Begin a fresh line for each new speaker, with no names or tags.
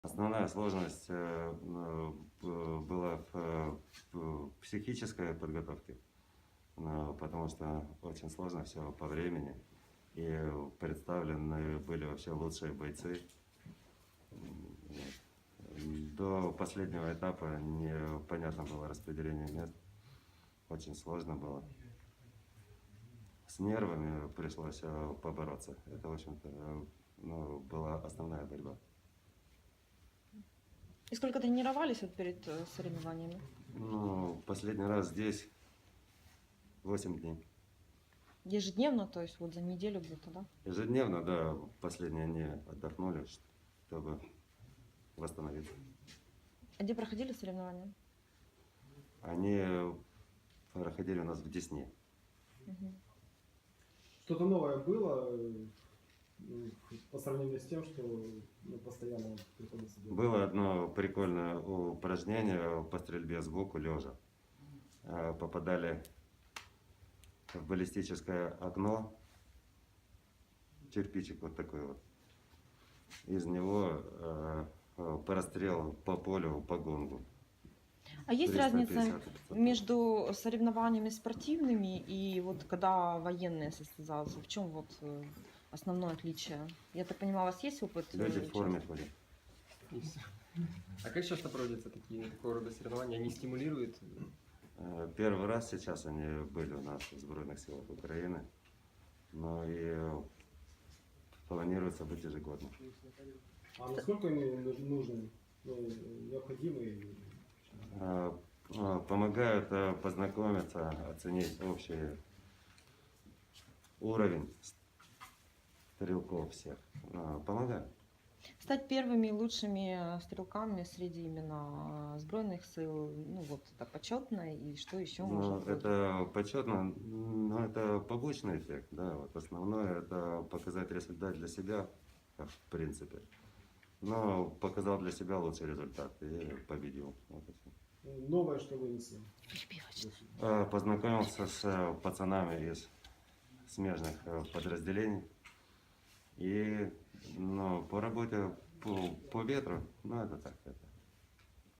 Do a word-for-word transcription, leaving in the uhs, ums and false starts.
Основная сложность э, ну, б- была в, э, в психической подготовке, ну, потому что очень сложно все по времени. И представлены были вообще лучшие бойцы. М, вот. До последнего этапа непонятно было распределение мест. Очень сложно было. С нервами пришлось э, побороться. Это, в общем-то, э, ну, была основная борьба.
И сколько тренировались вот перед э, соревнованиями?
Ну, последний раз здесь восемь дней.
Ежедневно, то есть вот за неделю где-то, да?
Ежедневно, да, последние дни отдохнули, чтобы восстановиться.
А где проходили соревнования?
Они проходили у нас в Десне.
Мгм.
Что-то новое было э, м, по сравнению с тем, что ну, постоянно приходится делать?
Было одно прикольное упражнение по стрельбе сбоку лежа. Э, Попадали в баллистическое окно, кирпичик вот такой вот. Из него э, э, прострел по полю, по гонгу.
А есть
триста
разница
пятьдесят пятьсот.
между соревнованиями спортивными и вот когда военные состязаются? В чем вот э, основное отличие? Я так понимаю, у вас есть опыт? э,
Люди в форме
участия?
ходят.
И всё. А как часто проводятся такие такого рода соревнования? Они стимулируют?
Э, Первый раз сейчас они были у нас в Сбройных силах Украины, но и планируется быть ежегодно.
А насколько они нуж- нужны, ну, необходимы? и-
Э, э, Помогают э, познакомиться, оценить общий уровень стрелков всех. Э, Помогают.
Стать первыми лучшими э, стрелками среди именно э, сбройных сил, ну вот это почетно, и что еще
Ну,
может быть?
это почетно, но это побочный эффект, да. Вот основное это показать результат для себя, как в принципе. Но показал для себя лучший результат и победил. Вот и всё.
ну, Новое, что вынесли?
Перебивочно.
Э, Познакомился с э, пацанами из смежных э, подразделений. И ну, по работе по, по ветру, ну это так, это